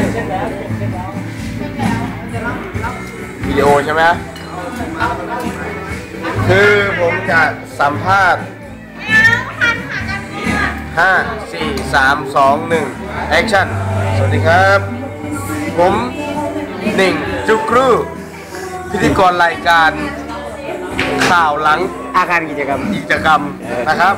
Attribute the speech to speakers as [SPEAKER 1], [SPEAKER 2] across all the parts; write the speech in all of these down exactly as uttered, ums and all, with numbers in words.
[SPEAKER 1] วิดีโอใช่ไหมคือผมจะสัมภาษณ์ห้า สี่ สาม สอง หนึ่ง แอคชั่น สวัสดีครับ ผมหนึ่งจุกรูพิธีกรรายการข่าวหลัง
[SPEAKER 2] อาคารกิจกรรม
[SPEAKER 1] กิจกรรมนะครับ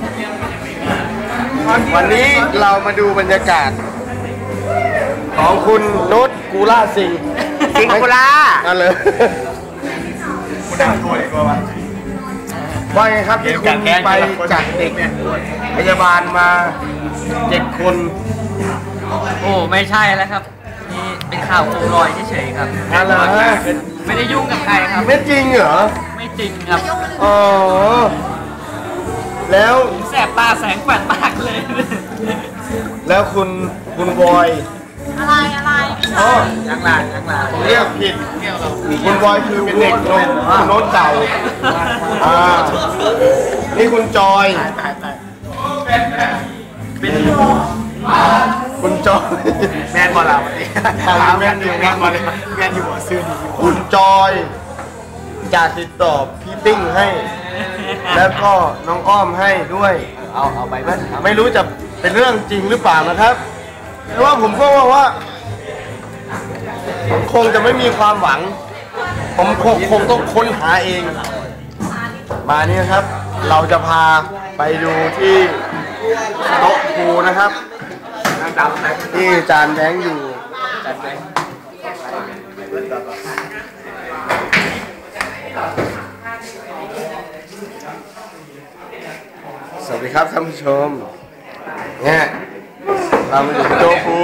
[SPEAKER 1] วันนี้เรามาดูบรรยากาศของคุณนุชกูล่าสิง
[SPEAKER 2] สิงกูล่า
[SPEAKER 1] นั่นเลยคุณได้ช่วยก็ว่าว่าไงครับที่คุณไปจากเด็กพยาบาลมาเจ็ดคน
[SPEAKER 3] โอ้ไม่ใช่แล้วครับนี่เป็นข่าวโคมลอยเฉยๆครับ
[SPEAKER 1] อะไร
[SPEAKER 3] ไม่ได้ยุ่งกับใครครับ
[SPEAKER 1] ไม่จริงเหรอ
[SPEAKER 3] ไม่จริงครับ
[SPEAKER 1] อ๋อแล้ว
[SPEAKER 3] แสบตาแสงแปดมากเลย
[SPEAKER 1] แล้วคุณคุณบอย
[SPEAKER 4] อะไรอะไร
[SPEAKER 1] อ๋อ
[SPEAKER 3] ยังหลานยังหลาน
[SPEAKER 1] เรียกผิดคุณบอยคือเป็นเด็กโน้นโน้นเก่าอ่านี่คุณจอยเป็นคุณจอย
[SPEAKER 3] แมนบอลเราวันนี้
[SPEAKER 1] แมนอยู่แมนบอลแมนอยู่หัวซื่อคุณจอยจะติดต่อพี่ติ้งให้แล้วก็น้องอ้อมให้ด้วย
[SPEAKER 3] เอาเอาไปบ้าง
[SPEAKER 1] ไม่รู้จะเป็นเรื่องจริงหรือเปล่านะครับแต่ว่าผมก็ว่าว่าคงจะไม่มีความหวังผมคงคงต้องค้นหาเองมานี่นะครับ เราจะพาไปดูที่โต๊ะครูนะครับที่จานแบงค์อยู่สวัสดีครับท่านผู้ชมเนี่ยเรามาอยู่ที่โต๊ะครู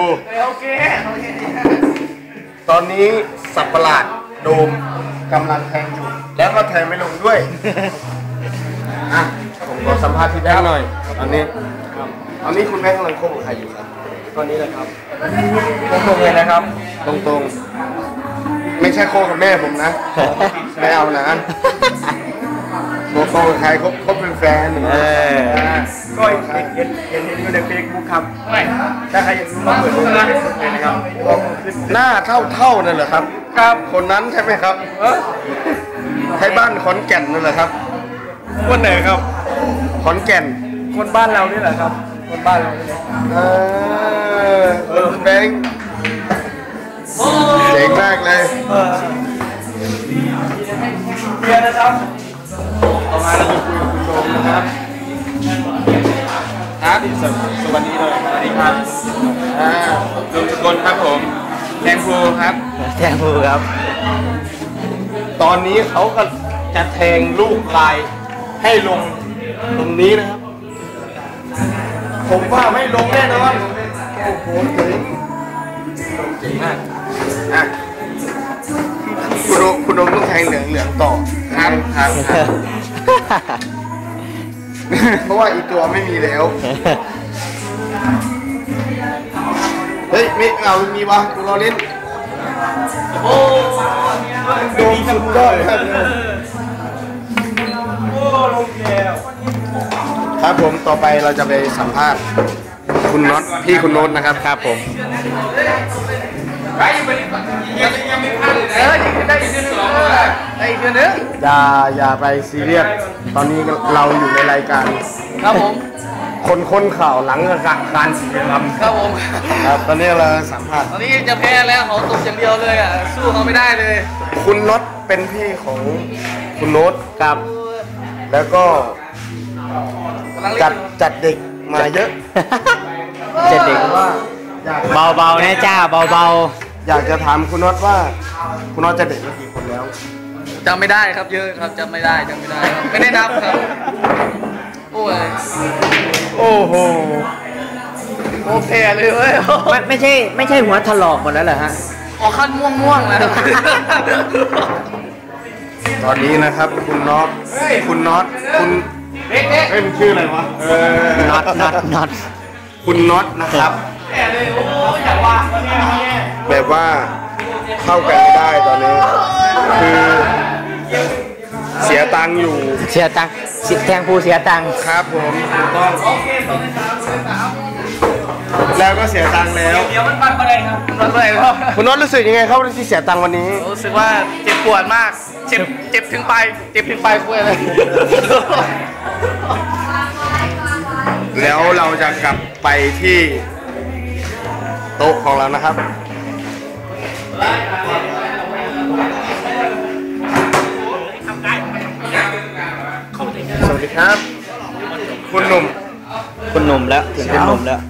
[SPEAKER 1] ตอนนี้สับประหลาดโดมกำลังแทงอยู่แล้วก็แทงไม่ลงด้วยอ่ะผมขอสัมภาษณ์พี่แบงค์หน่อยตอนนี้ตอนนี้คุณแบงค์กำลังคบกับใครอยู่ครับตอนนี้เลยครับตรงๆเลยนะครับตรงๆไม่ใช่โคกับแม่ผมนะไม่เอานะโคกับใครคบคบเป็นแฟน
[SPEAKER 2] เออ
[SPEAKER 1] ก็เห็นเห็นเห็นอยู่ในเฟซบุ๊กครับถ้าใครอยากรู้มาเปิดดูในเฟซบุ๊กเลยนะครับหน้าเท่าเท่านั่นเหรอครับครับคนนั้นใช่ไหมครับใช่บ้านขอนแก่นนั่นเหรอครับคนไหนครับขอนแก่นคนบ้านเรานี่แหละครับคนบ้านเราเนี่ยเออเออแบงค์เจ๋งมากเลยเบียร์นะครับต่อมาเราจะคุยกับคุณโดมนะครับครับสวัสดีเลยสวัสดีครับอ่าโดมสกลครับผมแทงพูครับ
[SPEAKER 2] แทงพูครับ
[SPEAKER 1] ตอนนี้เขาก็จะแทงลูกลายให้ลงตรงนี้นะครับผมว่าไม่ลงแน่นอนโอ้โหเจ๋งเจ๋งมากอ่ะคุณโดมคุณโดมต้องแทงเหลืองเหลืองต่อครับครับเพราะว่าอีกตัวไม่มีแล้วเฮ้ยไม่เอามีวะกูรอเล่นโอ้โดมสุดยอดครับโอ้ลงแล้วครับผมต่อไปเราจะไปสัมภาษณ์คุณน็อตพี่คุณโน้ตนะครับครับผมอย่าอย่าไปซีเรียสตอนนี้เราอยู่ในรายการ
[SPEAKER 3] ครับผม
[SPEAKER 1] คนคนข่าวหลังการศิลปกรรม
[SPEAKER 3] ครับผม
[SPEAKER 1] ครับตอนนี้เราสัมภาษณ์
[SPEAKER 3] ตอนนี้จะแพ้แล้วเขาตกอย่างเดียวเลยอ่ะสู้เขาไม่ได้เลย
[SPEAKER 1] คุณน็อตเป็นพี่ของคุณโน้ตครับแล้วก็จัดจัดเด็กมาเยอะ
[SPEAKER 2] จัดเด็กว่าเบาๆนะจ้าเบา
[SPEAKER 1] ๆอยากจะถามคุณน็อตว่าคุณน็อตจะเด็กมากี่คนแล้ว
[SPEAKER 3] จำไม่ได้ครับเยอะครับจำไม่ได้จำไม่ได้ครับไม่ได้นับครับโอ้ย
[SPEAKER 1] โอ้โห
[SPEAKER 3] โอเคเลยเว้ย
[SPEAKER 2] ไม่ไม่ใช่ไม่ใช่หัวถลอกหมดแล้วเหรอฮะ
[SPEAKER 3] ออกขั้นม่วงม่วงแล้ว
[SPEAKER 1] ตอนนี้นะครับคุณน็อตคุณน็อตคุณเอ๊ะเอ๊ะมันชื่ออะไรวะเออ
[SPEAKER 2] น็อตน็อตน็อต
[SPEAKER 1] คุณน็อตนะครับแบบว่าเข้ากันไม่ได้ตอนนี้คือเสียตังค์อยู่
[SPEAKER 2] เสียตังค์แทงผู้เสียตังค์
[SPEAKER 1] ครับผมถูกต้องแล้วก็เสียตังค์แล้ว
[SPEAKER 3] เดี๋ยวมันปันอะไรครับมันอะไรครับ
[SPEAKER 1] คุณน็อตรู้สึกยังไงครับที่เสียตังค์วันนี้
[SPEAKER 3] รู้สึกว่าเจ็บปวดมากเจ็บเจ็บถึงปลายเจ็บถึงปลายคุยเลย
[SPEAKER 1] แล้วเราจะกลับไปที่โต๊ะของเรานะครับสวัสดีครับ คุณหนุ่ม
[SPEAKER 2] คุณหนุ่มแล้วถึงคุณหนุ่มแล้ว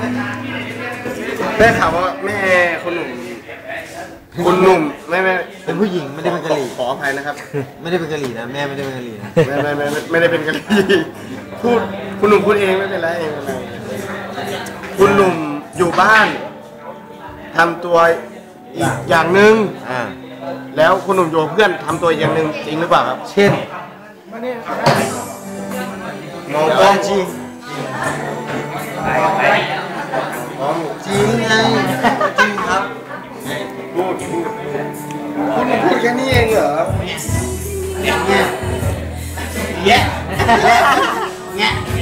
[SPEAKER 1] ได้ข่าวว่าแม่คุณหนุ่มคุณหนุ่มไม่ไม่
[SPEAKER 4] เป็นผู้หญิงไม่ได้เป็นกะหรี่
[SPEAKER 1] ขออภัยนะครับ
[SPEAKER 4] ไม่ได้เป็นกะหรี่นะแม่ไม่ได้เป็นกะหรี่นะ
[SPEAKER 1] ไม่ไม่ไม่ไม่ไม่ได้เป็นกันพูดคุณหนุ่มพูดเองไม่เป็นไรไม่เป็นไรคุณหนุ่มอยู่บ้านทำตัวอีกอย่างหนึ่ง
[SPEAKER 4] อ่า
[SPEAKER 1] แล้วคุณหนุ่มอยู่กับเพื่อนทำตัวอีกอย่างหนึ่งจริงหรือเปล่าครับ
[SPEAKER 4] เช่น
[SPEAKER 1] มองกล้องจริง
[SPEAKER 4] จริงไงจริงครับ
[SPEAKER 1] พูดพูดคุณหนุ่มพูดแค่นี้เองเหรอ
[SPEAKER 4] เนี่ยแย่แย่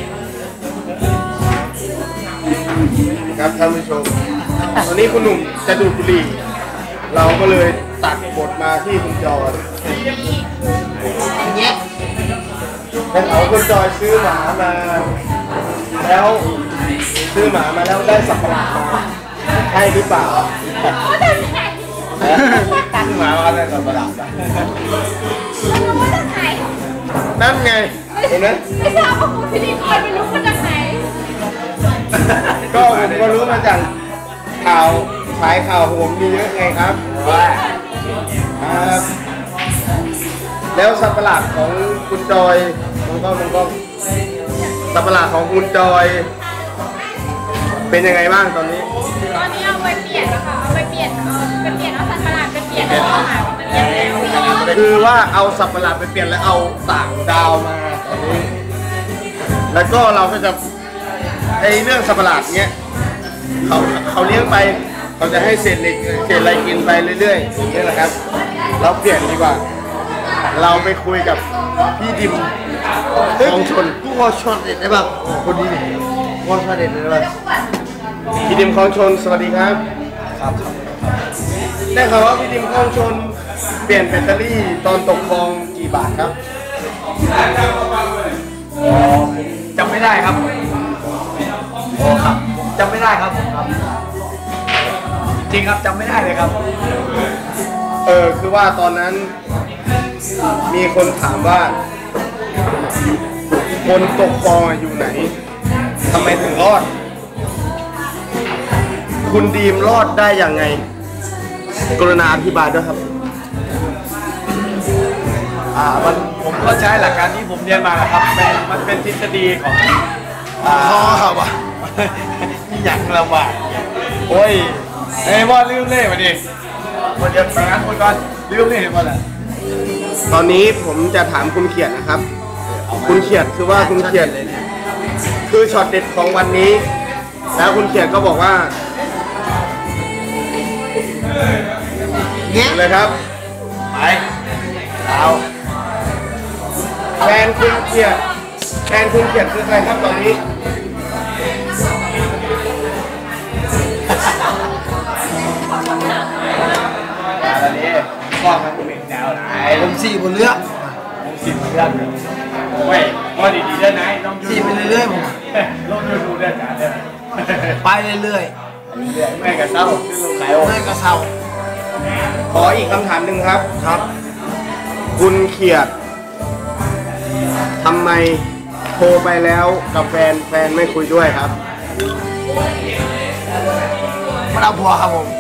[SPEAKER 1] ครับท่านผู้ชมตอนนี้คุณหนุ่มจะดูดบุหรี่เราก็เลยตัดบทมาที่คุณจอย
[SPEAKER 4] แย่
[SPEAKER 1] เป็นเขาคุณจอยซื้อหมามา แล้วซื้อหมามาแล้วได้สับปะรดมาใช่หรือเปล่าซื้อหมามาได้สับปะรดมานั่นไงเห็นไหม
[SPEAKER 5] ไม่ทราบว่าคุณพิธีกรไม่รู้มาจากไหน
[SPEAKER 1] ก็ผมก็รู้มาจากข่าวสายข่าวโหมมีเยอะไงครับครับแล้วสัตว์ประหลาดของคุณจอยมันก็มันก็สัตว์ประหลาดของคุณจอย เป็นยังไงบ้างตอนนี้
[SPEAKER 5] ตอนนี้เอาไปเปลี่ยนแล้วค่ะ เอาไปเปลี่ยนเอาไปเปลี่ยนเอาสัตว์ประหลาดไปเปลี่ยนแล้วเอาหมามาเลี้ยงแล้ว
[SPEAKER 1] คือว่าเอาสัตว์ประหลาดไปเปลี่ยนแล้วเอาต่างดาวมาตอนนี้ แล้วก็เราก็จะไอเรื่องสัตว์ประหลาดเนี้ยเขาเขาเลี้ยงไปเขาจะให้เศษเหล็กเศษอะไรกินไปเรื่อยๆอย่างนี้แหละครับ เราเปลี่ยนดีกว่า เราไปคุยกับพี่ดิมของชน
[SPEAKER 4] กูขอช็อตเด็ดได้ป่ะโอ้คนนี้กูขอช็อตเด็ดได้ป่ะ
[SPEAKER 1] พี่ดิมของชนสวัสดีครับครับได้ข่าวว่าพี่ดิมของชนเปลี่ยนแบตเตอรี่ตอนตกคลองกี่บาทครับ
[SPEAKER 3] จำไม่ได้ครับโอ้ครับจำไม่ได้ครับผมครับ จริงครับจำไม่ได้เลยครับ
[SPEAKER 1] เออคือว่าตอนนั้นมีคนถามว่า คนตกคลองอยู่ไหนทำไมถึงรอด คุณดีมรอดได้ยังไง กรุณาอธิบายด้วยครับ
[SPEAKER 3] อ่ามันผมก็ใช้หลักการที่ผมเรียนมานะครับเป็นมันเป็นทฤษฎีของอ่า
[SPEAKER 4] อ๋อครับว่ะ
[SPEAKER 3] ที่อยากระบาดโอ้ยไอ้ว่าลืมเล่มาดิคนเดียวไปงั้นคนก่อนลืมเล่มาแหละ
[SPEAKER 1] ตอนนี้ผมจะถามคุณเขียดนะครับ คุณเขียดคือว่าคุณเขียดคือช็อตเด็ดของวันนี้ แล้วคุณเขียดก็บอกว่า
[SPEAKER 4] แย่
[SPEAKER 1] เลยครับ
[SPEAKER 3] ไปเอา
[SPEAKER 1] แฟนคุณเขียดแฟนคุณเขียดคือใครครับตอนนี้
[SPEAKER 3] อันนี้กล้องมันเป็นแนวไหน
[SPEAKER 4] ผมสี่บนเรือ
[SPEAKER 3] สิบเรื่องเว้ยว่าดีๆได้ไหนลองดู
[SPEAKER 4] สี่ไปเรื่อยๆผม
[SPEAKER 3] ลองดูดูได้จ้าได้
[SPEAKER 4] ไปเรื่อย
[SPEAKER 3] แม่กับเศร้าขึ้นลงขาย
[SPEAKER 4] ๆ
[SPEAKER 3] โอ้
[SPEAKER 4] เมื่อยก็เศร้า
[SPEAKER 1] ขออีกคำถามหนึ่งครับ
[SPEAKER 4] ครับ
[SPEAKER 1] คุณเขียดทำไมโทรไปแล้วกับแฟนแฟนไม่คุยด้วยครับ
[SPEAKER 4] มันเอาผัวครับผม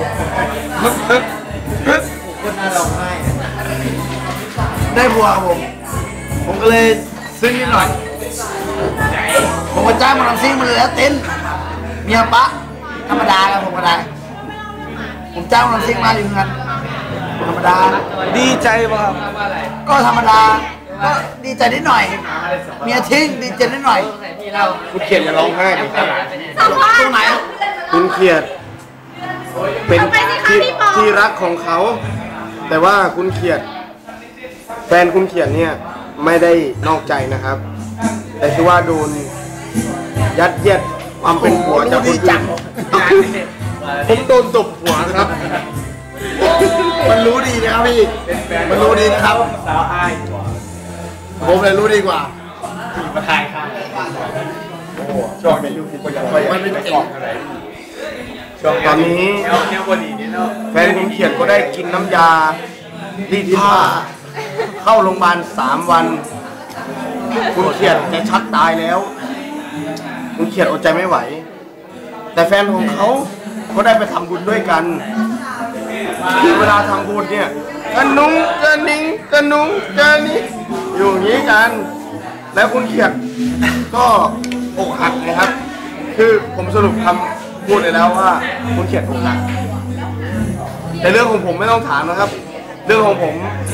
[SPEAKER 4] คนน่าร้องไห้ได้ผัวครับผม ผมก็เลยซื้อนิดหน่อย ผมก็จ้างมาทำซิ่งมาเลยแล้วเต้นเมียปะธรรมดาครับผมก็ได้ ผมจ้างมาทำซิ่งมาอยู่เงินธรรมดา
[SPEAKER 3] ดีใจป่ะครับ
[SPEAKER 4] ก็ธรรมดา ก็ดีใจนิดหน่อย เมียทิ้งดีใจนิดหน่อย
[SPEAKER 1] คุณเขียดอย่าร้องไห้ดิครับ
[SPEAKER 5] สัมภาษ
[SPEAKER 4] ตรง
[SPEAKER 5] ณ์
[SPEAKER 4] ไหน
[SPEAKER 1] คุณเขียดเป็นที่ที่รักของเขา แต่ว่าคุณเขียด แฟนคุณเขียดเนี่ยไม่ได้นอกใจนะครับ แต่คือว่าโดนยัดเยียดความเป็นผัวจากคนจังผมโดนตบหัวครับ
[SPEAKER 4] มันรู้ดีนะครับพี่มันรู้ดีนะครับ
[SPEAKER 3] สาวอ้ายกว่า
[SPEAKER 4] ผมเลยรู้ดีกว่า
[SPEAKER 3] ขี่มาทายครับ
[SPEAKER 1] ช่วงนี้ยูคิดว่าอยากไปมันเป็นเก่งช่วงตอนนี้
[SPEAKER 3] แนวแนวบดีนี่เนาะ
[SPEAKER 1] แฟนคุณเขียดก็ได้กินน้ำยารีดผ้าเข้าโรงพยาบาลสามวัน คุณเขียดจะชักตายแล้ว คุณเขียดอดใจไม่ไหว แต่แฟนของเขาก็ได้ไปทำบุญด้วยกันคือเวลาทำบุญเนี่ยกระนุงกระนิงกระนุงกระนิงอยู่อย่างนี้กัน แล้วคุณเขียดก็อกหักนะครับ คือผมสรุปคำพูดเลยแล้วว่าคุณเขียดอกหักแต่เรื่องของผมไม่ต้องถามนะครับ เรื่องของผม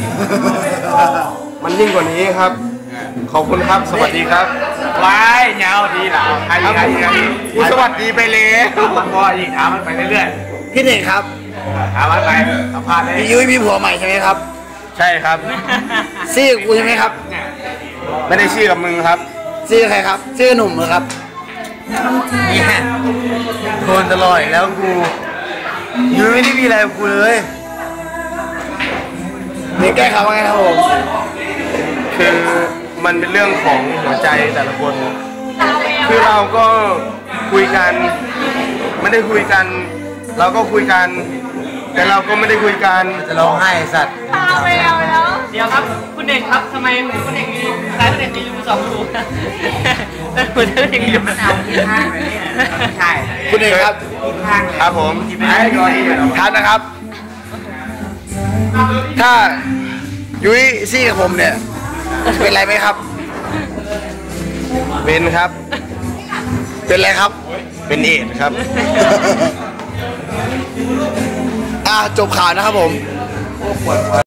[SPEAKER 1] มันยิ่งกว่านี้ครับ ขอบคุณครับ สวัสดีครับ
[SPEAKER 3] ว้ายเงาดีเหล่าใครใครใคร
[SPEAKER 1] คุณสวัสดีไปเลย
[SPEAKER 3] ถามมันพออีกถามมันไปเรื่อย
[SPEAKER 4] พี่เน่งครับ
[SPEAKER 3] ๆถามมันไปสัมภาษณ์เลย
[SPEAKER 4] พี่ยุ้ยมีผัวใหม่ใช่ไหมครับ
[SPEAKER 1] ใช่ครับ
[SPEAKER 4] ซี่กับกูใช่ไหมครับ
[SPEAKER 1] ไม่ได้ชื่อกับมึงครับ
[SPEAKER 4] ซี่กับใครครับซี่กับหนุ่มเหรอครับเนี่ยโดนตลอดอีกแล้วกูยุ้ยไม่ได้มีอะไรกับกูเลยนี่แก้เขาว่าไงครับผม
[SPEAKER 1] คือมันเป็นเรื่องของหัวใจแต่ละคน คือเราก็คุยกัน ไม่ได้คุยกัน เราก็คุยกัน แต่เราก็ไม่ได้คุยกัน
[SPEAKER 4] จะร้องไห้สัตว์
[SPEAKER 5] ตาแววแล้ว
[SPEAKER 2] เดี๋ยวครับคุณเด็กครับทำไมคุณเด็กมีสายคุณเด็กมีรูสองรูแล้วคุณเด็กมีรูมันเอาที่ข้างเลยเนี่ยใช่
[SPEAKER 4] คุณเอกครับ
[SPEAKER 1] ครับผม
[SPEAKER 3] ไอ้ก่อนที่จะ
[SPEAKER 4] ทันนะครับ ถ้ายุ้ยซี่กับผมเนี่ย เป็นไรไหมครับ
[SPEAKER 1] เป็นครับ
[SPEAKER 4] เป็นไรครับ
[SPEAKER 1] เป็นเอดส์ครับ
[SPEAKER 4] อ่าจบข่าวนะครับผม